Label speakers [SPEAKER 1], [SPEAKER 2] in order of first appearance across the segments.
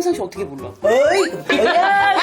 [SPEAKER 1] 평상시 어떻게 불러?
[SPEAKER 2] 어이구 뭐야.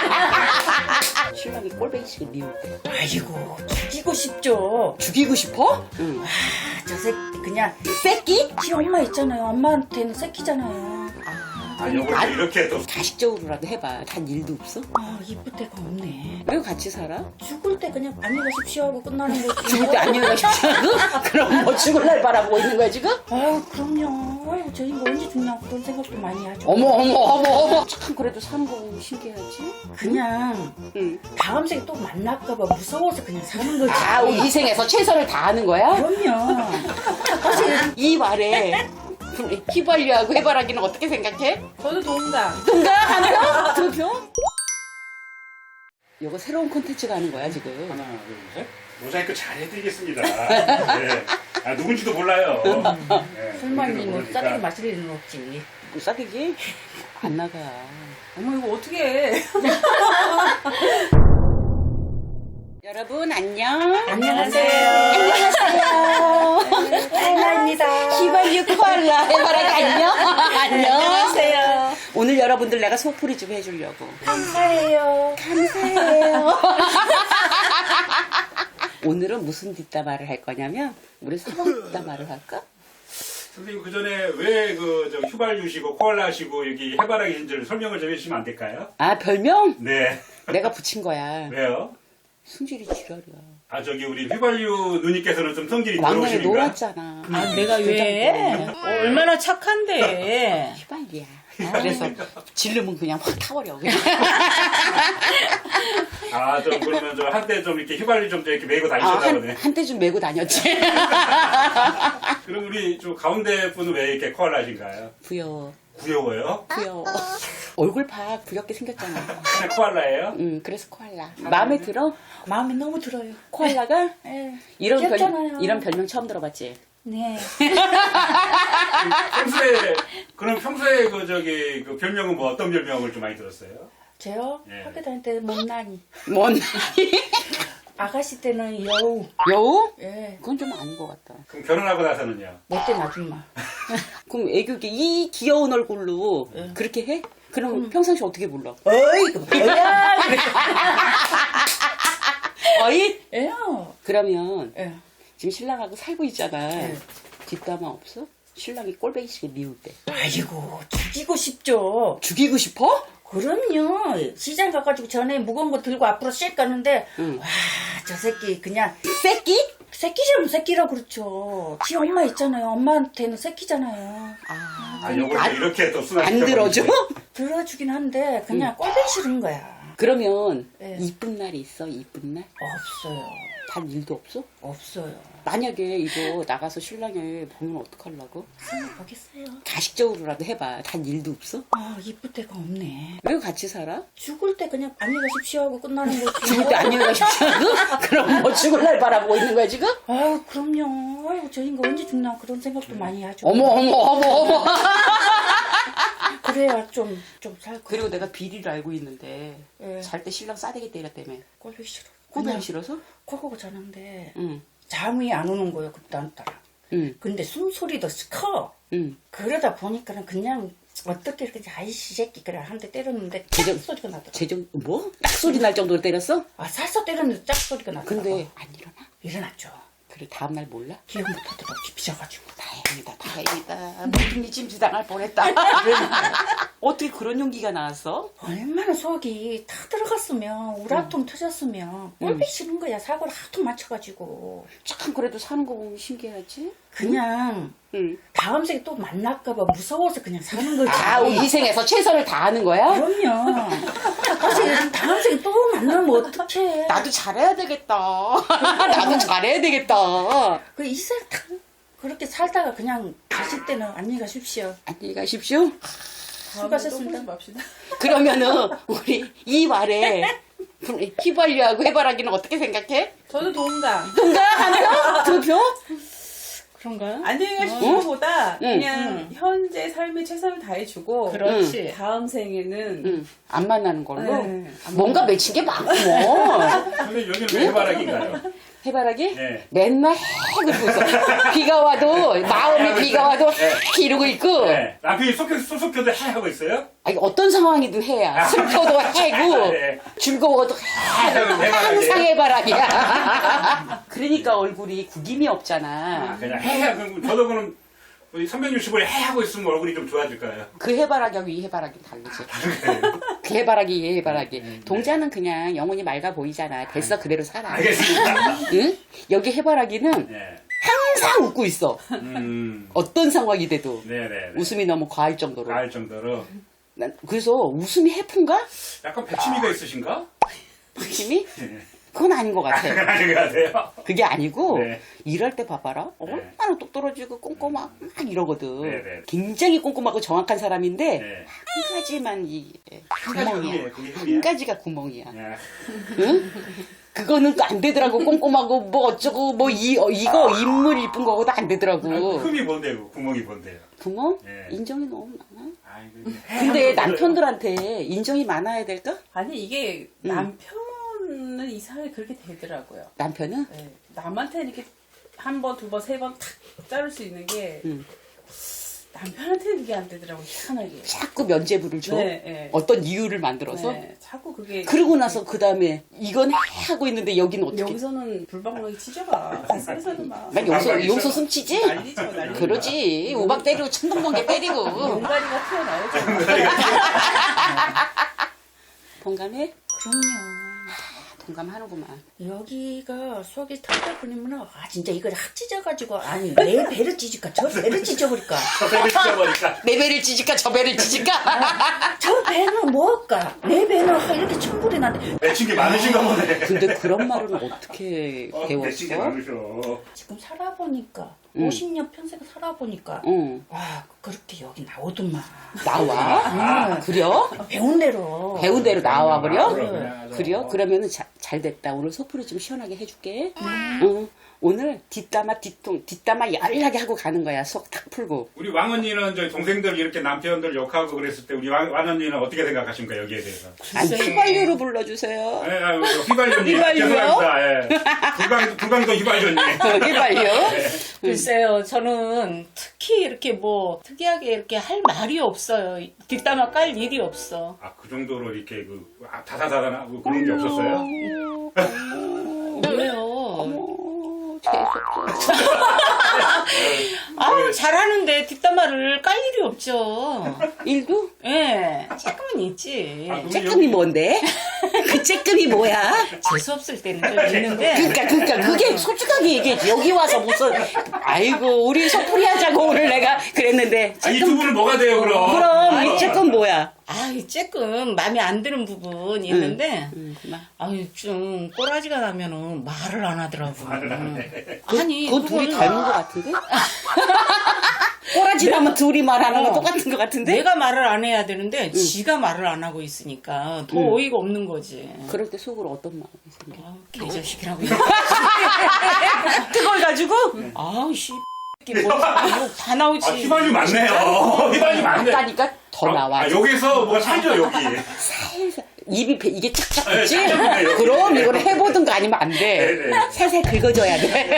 [SPEAKER 1] 신랑이 꼴배기식을 미울 때
[SPEAKER 2] 아이고 죽이고 싶죠.
[SPEAKER 1] 죽이고 싶어? 응.
[SPEAKER 2] 저 새끼 그냥
[SPEAKER 1] 새끼?
[SPEAKER 2] 지 엄마 있잖아요. 엄마한테는 새끼잖아요.
[SPEAKER 3] 요걸 이렇게 또
[SPEAKER 1] 가식적으로라도 해봐. 단 일도 없어?
[SPEAKER 2] 아 이쁠 데가 없네.
[SPEAKER 1] 왜 같이 살아?
[SPEAKER 2] 죽을 때 그냥 안녕히 가십시오 하고 끝나는 거지.
[SPEAKER 1] 죽을 때 안녕히 가십시오. 그럼 뭐 죽을 날 바라보고 있는 거야 지금?
[SPEAKER 2] 아유 그럼요. 아유 저 인거 언제 죽냐 그런 생각도 많이 하죠.
[SPEAKER 1] 어머. 참 그래도 사는 거 신기하지?
[SPEAKER 2] 그냥
[SPEAKER 1] 응.
[SPEAKER 2] 다음 생에 또 만날까봐 무서워서 그냥 사는 거지.
[SPEAKER 1] 아, 우리 인생에서 최선을 다하는 거야?
[SPEAKER 2] 그럼요.
[SPEAKER 1] 이 말에 휘발유하고 해바라기는 어떻게 생각해?
[SPEAKER 2] 저도 동감.
[SPEAKER 1] 동감하나? 두 표? 이거 새로운 콘텐츠가 하는 거야 지금.
[SPEAKER 3] 하나, 둘, 셋. 모자이크 잘 해드리겠습니다. 네. 아, 누군지도 몰라요. 네,
[SPEAKER 2] 설마
[SPEAKER 3] 누군지도
[SPEAKER 2] 뭐
[SPEAKER 3] 모르니까.
[SPEAKER 2] 싸게 마실 일은 없지.
[SPEAKER 1] 뭐 싸대기? 안 나가.
[SPEAKER 2] 어머 이거 어떻게 해?
[SPEAKER 1] 여러분 안녕.
[SPEAKER 2] 안녕하세요.
[SPEAKER 1] 안녕하세요.
[SPEAKER 2] 하이나입니다.
[SPEAKER 1] 휘발유 코알라 해바라기 안녕. 안녕.
[SPEAKER 2] 안녕하세요.
[SPEAKER 1] 오늘 여러분들 내가 속풀이 좀 해주려고.
[SPEAKER 2] 감사해요.
[SPEAKER 1] 감사해요. 오늘은 무슨 뒷담화를 할 거냐면 우리 사랑 뒷담화를 할까?
[SPEAKER 3] 선생님, 그 전에 왜 저 휘발유시고 코알라시고 여기 해바라기인지를 설명을 좀 해주시면 안 될까요?
[SPEAKER 1] 아 별명?
[SPEAKER 3] 네.
[SPEAKER 1] 내가 붙인 거야.
[SPEAKER 3] 왜요?
[SPEAKER 1] 승질이 지랄이야.
[SPEAKER 3] 아, 저기 우리 휘발유 누님께서는 좀 성질이
[SPEAKER 1] 왕년에
[SPEAKER 3] 더러우시니까.
[SPEAKER 1] 놀았잖아.
[SPEAKER 2] 아 내가 왜? 얼마나 착한데.
[SPEAKER 1] 휘발이야. 그래서 질르면 그냥 확 타버려. 그냥.
[SPEAKER 3] 아, 좀 그러면 저 한때 좀 이렇게 휘발유 좀 이렇게 메고 다니셨나 보네.
[SPEAKER 1] 한때 좀 메고 다녔지.
[SPEAKER 3] 그럼 우리 좀 가운데 분은 왜 이렇게 코알라신가요?
[SPEAKER 1] 부여.
[SPEAKER 3] 구여워요?
[SPEAKER 1] 부여. 얼굴 봐. 부엽게 생겼잖아.
[SPEAKER 3] 그냥 코알라예요?
[SPEAKER 1] 그래서 코알라. 마음에 들어?
[SPEAKER 2] 마음에 너무 들어요.
[SPEAKER 1] 코알라가?
[SPEAKER 2] 네.
[SPEAKER 1] 이런
[SPEAKER 2] 귀엽잖아요.
[SPEAKER 1] 이런 별명 처음 들어봤지?
[SPEAKER 2] 네.
[SPEAKER 3] 평소에 그 별명은 뭐 어떤 별명을 좀 많이 들었어요?
[SPEAKER 2] 저요?
[SPEAKER 3] 예.
[SPEAKER 2] 학교 다닐 때 못난이.
[SPEAKER 1] 뭔?
[SPEAKER 2] 아가씨 때는 여우.
[SPEAKER 1] 여우?
[SPEAKER 2] 예.
[SPEAKER 1] 그건 좀 아닌 것 같다.
[SPEAKER 3] 그럼 결혼하고 나서는요?
[SPEAKER 2] 못된 아줌마.
[SPEAKER 1] 그럼 애교게 이 귀여운 얼굴로 그렇게 해? 그럼 평상시 어떻게 불러?
[SPEAKER 2] 어이구 뭐야.
[SPEAKER 1] 어이?
[SPEAKER 2] 예요.
[SPEAKER 1] 그러면
[SPEAKER 2] 예.
[SPEAKER 1] 지금 신랑하고 살고 있잖아.
[SPEAKER 2] 네.
[SPEAKER 1] 뒷담화 없어? 신랑이 꼴배기식을 미울 때.
[SPEAKER 2] 아이고 죽이고 싶죠.
[SPEAKER 1] 죽이고 싶어?
[SPEAKER 2] 그럼요. 시장 가가지고 전에 무거운 거 들고 앞으로 씩 가는데
[SPEAKER 1] 응.
[SPEAKER 2] 와 저 새끼 그냥
[SPEAKER 1] 새끼?
[SPEAKER 2] 새끼처럼 새끼라 그렇죠. 지 엄마 있잖아요. 엄마한테는 새끼잖아요.
[SPEAKER 3] 아, 요걸 또 이렇게 또 순환
[SPEAKER 1] 안 들어줘?
[SPEAKER 2] 들어주긴 한데 그냥 꼴보기 싫은 거야.
[SPEAKER 1] 그러면
[SPEAKER 2] 네.
[SPEAKER 1] 이쁜 날이 있어? 이쁜 날?
[SPEAKER 2] 없어요.
[SPEAKER 1] 단 일도 없어?
[SPEAKER 2] 없어요.
[SPEAKER 1] 만약에 이거 나가서 신랑을 보면 어떡하려고?
[SPEAKER 2] 보겠어요.
[SPEAKER 1] 가식적으로라도 해봐. 단 일도 없어?
[SPEAKER 2] 아 이쁠 데가 없네.
[SPEAKER 1] 왜 같이 살아?
[SPEAKER 2] 죽을 때 그냥 안녕히 가십시오 하고 끝나는 거지.
[SPEAKER 1] 죽을 때 안녕히 가십시오. 그럼 뭐 죽을 날 바라보고 있는 거야 지금?
[SPEAKER 2] 아유 그럼요. 아유 저 인거 언제 죽나 그런 생각도 많이 하죠.
[SPEAKER 1] 어머.
[SPEAKER 2] 그래야 좀 살고.
[SPEAKER 1] 그리고 내가 비리를 알고 있는데
[SPEAKER 2] 예.
[SPEAKER 1] 잘 때 신랑 싸대기 때렸다며.
[SPEAKER 2] 꼴보기 싫어.
[SPEAKER 1] 꼴보기 싫어서?
[SPEAKER 2] 꼴보고 자는데
[SPEAKER 1] 응.
[SPEAKER 2] 잠이 안 오는 거예요 그딴 따라.
[SPEAKER 1] 응.
[SPEAKER 2] 근데 숨소리도 커.
[SPEAKER 1] 응.
[SPEAKER 2] 그러다 보니까는 그냥 어떻게 이렇게 아이씨 새끼 그래 한 대 때렸는데 짝
[SPEAKER 1] 제정-
[SPEAKER 2] 소리가 나더라고.
[SPEAKER 1] 재정 뭐? 딱 소리 날 정도로 때렸어?
[SPEAKER 2] 아 살살 때렸는데 짝 소리가 나더라고.
[SPEAKER 1] 근데 안 일어나?
[SPEAKER 2] 일어났죠.
[SPEAKER 1] 그래 다음 날 몰라?
[SPEAKER 2] 기억 못하더라고 삐져가지고.
[SPEAKER 1] 다행이다. 모든 이 짐지당할 뻔했다. 어떻게 그런 용기가 나왔어?
[SPEAKER 2] 얼마나 속이 다 들어갔으면 우라통 터졌으면 꼴보기 싫은 거야. 사고를 하도 맞춰가지고.
[SPEAKER 1] 참 그래도 사는 거 보면 신기하지?
[SPEAKER 2] 그냥
[SPEAKER 1] 응.
[SPEAKER 2] 다음 생에 또 만날까봐 무서워서 그냥 사는 거지.
[SPEAKER 1] 아, 우리 인생에서 최선을 다하는 거야?
[SPEAKER 2] 그럼요. 사실 다음 생에 또 만나면 어떡해.
[SPEAKER 1] 나도 잘해야 되겠다. 나도 잘해야 되겠다.
[SPEAKER 2] 그 이생 다 그렇게 살다가 그냥 가실 때는 안녕히 가십시오.
[SPEAKER 1] 안녕히 가십시오.
[SPEAKER 2] 수고하셨습니다.
[SPEAKER 1] 그러면은 우리 이 말에 휘발유하고 해바라기는 어떻게 생각해?
[SPEAKER 4] 저도 동감.
[SPEAKER 1] 동감하나? 두 표?
[SPEAKER 2] 그런가요?
[SPEAKER 4] 안녕히 가십시오보다
[SPEAKER 1] 응.
[SPEAKER 4] 그냥 현재 삶에 최선을 다해주고
[SPEAKER 2] 그렇지.
[SPEAKER 4] 다음 생에는
[SPEAKER 1] 응. 안 만나는 걸로?
[SPEAKER 4] 네, 안
[SPEAKER 1] 뭔가 맺힌 게 많구먼.
[SPEAKER 3] 근데 여기는 왜 해바라기인가요?
[SPEAKER 1] 해바라기?
[SPEAKER 3] 네.
[SPEAKER 1] 맨날 해고 있어. 비가 와도 마음이 비가 와도 이러고 있고.
[SPEAKER 3] 네. 남편이 소속혀도 해 하고 있어요?
[SPEAKER 1] 아니, 어떤 상황이든 해야. 슬퍼도 해고
[SPEAKER 3] 네.
[SPEAKER 1] 즐거워도 해. 항상 해바라기야. 그러니까 얼굴이 구김이 없잖아.
[SPEAKER 3] 그냥 해. 그럼 저도 그럼 360을 해 하고 있으면 얼굴이 좀 좋아질까요?
[SPEAKER 1] 그 해바라기하고 이 해바라기는 다르지. 그 해바라기, 이 해바라기. 동자는 그냥 영혼이 맑아 보이잖아. 됐어, 그대로 살아.
[SPEAKER 3] 알겠습니다.
[SPEAKER 1] 응? 여기 해바라기는
[SPEAKER 3] 네.
[SPEAKER 1] 항상 웃고 있어.
[SPEAKER 3] 음.
[SPEAKER 1] 어떤 상황이 돼도.
[SPEAKER 3] 네네.
[SPEAKER 1] 웃음이 너무 과할 정도로.
[SPEAKER 3] 가을 정도로.
[SPEAKER 1] 난 그래서 웃음이 해픈가?
[SPEAKER 3] 약간 백치미가 있으신가?
[SPEAKER 1] 느낌이?
[SPEAKER 3] 네.
[SPEAKER 1] 그건 아닌 것 같아.
[SPEAKER 3] 아닌 것 같아요.
[SPEAKER 1] 그게 아니고
[SPEAKER 3] 네.
[SPEAKER 1] 일할 때 봐봐라. 얼마나 똑 떨어지고 꼼꼼하고 막 이러거든.
[SPEAKER 3] 네, 네.
[SPEAKER 1] 굉장히 꼼꼼하고 정확한 사람인데
[SPEAKER 3] 네.
[SPEAKER 1] 한 가지만 이
[SPEAKER 3] 한 가지
[SPEAKER 1] 구멍이야.
[SPEAKER 3] 흠이에요. 그게 흠이야?
[SPEAKER 1] 한 가지가 구멍이야.
[SPEAKER 3] 네.
[SPEAKER 1] 응? 그거는 안 되더라고. 꼼꼼하고 뭐 어쩌고 뭐 이거 인물 이쁜 거고도 안 되더라고.
[SPEAKER 3] 흠이 뭔데요? 구멍이 뭔데요?
[SPEAKER 1] 구멍?
[SPEAKER 3] 네.
[SPEAKER 1] 인정이 너무 많아.
[SPEAKER 3] 아이고,
[SPEAKER 1] 근데 남편들한테 인정이 많아야 될까?
[SPEAKER 4] 아니 이게 남편은 이상하게 그렇게 되더라고요.
[SPEAKER 1] 남편은?
[SPEAKER 4] 네. 남한테 이렇게 한 번, 두 번, 세 번 탁 자를 수 있는 게 남편한테는 그게 안 되더라고요. 희한하게.
[SPEAKER 1] 자꾸 면죄부를 줘.
[SPEAKER 4] 네, 네.
[SPEAKER 1] 어떤 이유를 만들어서.
[SPEAKER 4] 네. 자꾸 그게
[SPEAKER 1] 그러고 나서 그 다음에 이건 하고 있는데 여기는 어떻게?
[SPEAKER 4] 여기서는 불방망이 치져가. 가슴에서는 막
[SPEAKER 1] 난 용서 숨치지?
[SPEAKER 4] 난리죠, 난리.
[SPEAKER 1] 그러지. 우박 때리고 천둥번개 때리고.
[SPEAKER 4] 용가리가 튀어나오죠.
[SPEAKER 1] 동감해?
[SPEAKER 2] 그럼요.
[SPEAKER 1] 동감하는구만.
[SPEAKER 2] 여기가 속이 털털 끊이면 진짜 이걸 확 찢어가지고 아니 내 배를 찢을까 저 배를 찢어버릴까
[SPEAKER 3] 저배를 찢어버릴까?
[SPEAKER 1] 내 배를 찢을까 저 배를 찢을까?
[SPEAKER 2] 저 배는 뭐할까 내 배는 이렇게 천불이 나는데
[SPEAKER 3] 맺힌 게 많으신가 보네.
[SPEAKER 1] 근데 그런 말은 어떻게
[SPEAKER 3] 맺힌 게
[SPEAKER 1] 배웠어?
[SPEAKER 3] 많으셔.
[SPEAKER 2] 지금 살아보니까 50년 평생 살아보니까
[SPEAKER 1] 응.
[SPEAKER 2] 와 그렇게 여기 나오더만
[SPEAKER 1] 나와? 그려?
[SPEAKER 2] 배운 대로
[SPEAKER 1] 배운 대로 나와 버려?
[SPEAKER 3] 그냥 아주
[SPEAKER 1] 그려? 그러면은 잘 됐다. 오늘 소풀이 좀 시원하게 해줄게. 응. 오늘 뒷담화 열나게 하고 가는 거야. 속 탁 풀고.
[SPEAKER 3] 우리 왕 언니는 저희 동생들 이렇게 남편들 욕하고 그랬을 때 우리 왕 언니는 어떻게 생각하십니까 여기에 대해서?
[SPEAKER 1] 아니, 휘발유로 불러주세요.
[SPEAKER 3] 예, 휘발유님.
[SPEAKER 1] 휘발유요?
[SPEAKER 3] 죄송합니다. 예. 불광도 휘발유님.
[SPEAKER 1] 휘발유.
[SPEAKER 5] 글쎄요, 저는 특히 이렇게 뭐 특이하게 이렇게 할 말이 없어요. 뒷담화 깔 일이 없어.
[SPEAKER 3] 아, 그 정도로 이렇게 다다다다하고 그런 게 없었어요?
[SPEAKER 5] 왜요?
[SPEAKER 1] 재수없어.
[SPEAKER 5] 아우, 잘하는데 뒷담화를 깔 일이 없죠.
[SPEAKER 1] 일도?
[SPEAKER 5] 예, 조금은 있지.
[SPEAKER 3] 아, 그럼
[SPEAKER 1] 쬐끔이 뭔데? 그 쬐끔이 뭐야?
[SPEAKER 5] 재수없을 때는 좀 있는데.
[SPEAKER 1] 그러니까 그게 솔직하게 얘기해. 여기 와서 무슨 아이고 우리 소풀이 하자고 오늘 내가 그랬는데
[SPEAKER 3] 이 두 분은 뭐가 돼요 그럼?
[SPEAKER 1] 그럼 이 쬐끔 뭐야?
[SPEAKER 5] 아이, 조금 마음에 안 드는 부분이 있는데,
[SPEAKER 1] 그만.
[SPEAKER 5] 아유, 좀 꼬라지가 나면은 말을 안 하더라고. 아니,
[SPEAKER 1] 그거 둘이
[SPEAKER 5] 그거는
[SPEAKER 1] 닮은 것 같은데? 꼬라지 나면 둘이 말하는 거 똑같은 것 같은데?
[SPEAKER 5] 내가 말을 안 해야 되는데, 지가 말을 안 하고 있으니까 더 어이가 없는 거지.
[SPEAKER 1] 그럴 때 속으로 어떤 마음이 생겨?
[SPEAKER 5] 아우, 개자식이라고. 그걸 가지고, 아우, 씨. 다 나오지.
[SPEAKER 3] 아, 휘발유 맞네요. 휘발유 맞네.
[SPEAKER 1] 하니까 더 나와.
[SPEAKER 3] 여기서 뭐가 살죠 여기.
[SPEAKER 1] 살살 입이 이게 착착
[SPEAKER 3] 네,
[SPEAKER 1] 붙지?
[SPEAKER 3] 착착해요.
[SPEAKER 1] 그럼 이걸 해보든가 아니면 안 돼.
[SPEAKER 3] 네.
[SPEAKER 1] 살살 긁어줘야 돼.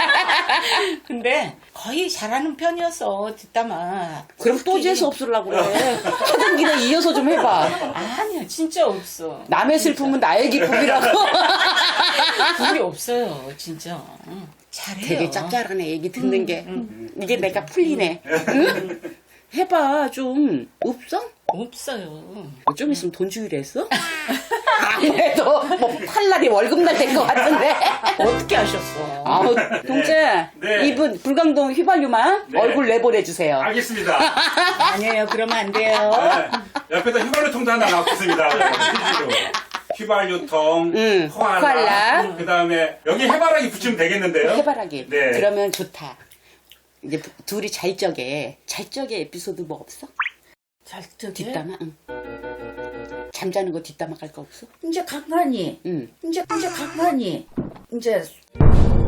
[SPEAKER 5] 근데 거의 잘하는 편이었어, 뒷담화.
[SPEAKER 1] 그럼 또 재수 없으려고 그래. 하던 길에 이어서 좀 해봐.
[SPEAKER 5] 아니야, 진짜 없어.
[SPEAKER 1] 남의 슬픔은 나의 기쁨이라고.
[SPEAKER 5] 그게 없어요, 진짜. 응. 잘해요.
[SPEAKER 1] 되게 짭짤하네, 얘기 듣는 게. 이게 내가 풀리네. 응? 해봐, 좀. 없어?
[SPEAKER 5] 없어요.
[SPEAKER 1] 좀 있으면 돈 주기로 했어? 아무래도 뭐 팔날이 월급날 될 것 같은데.
[SPEAKER 5] 어떻게 하셨어?
[SPEAKER 1] 아우, 동재.
[SPEAKER 3] 네.
[SPEAKER 1] 이분 불광동 휘발유만
[SPEAKER 3] 네.
[SPEAKER 1] 얼굴 내보내주세요.
[SPEAKER 3] 알겠습니다.
[SPEAKER 5] 아니에요, 그러면 안 돼요.
[SPEAKER 3] 네. 옆에다 휘발유통도 하나 놔뒀습니다. 휘발유통,
[SPEAKER 1] 코알라.
[SPEAKER 3] 코알라. 그 다음에 여기 해바라기 붙이면 되겠는데요?
[SPEAKER 1] 해바라기.
[SPEAKER 3] 네.
[SPEAKER 1] 그러면 좋다. 이제 둘이 잘 적에 에피소드 뭐 없어?
[SPEAKER 2] 잘 듣게
[SPEAKER 1] 뒷담화? 응. 잠자는 거 뒷담화 갈 거 없어?
[SPEAKER 2] 이제 간간히
[SPEAKER 1] 응.
[SPEAKER 2] 이제 간간히 이제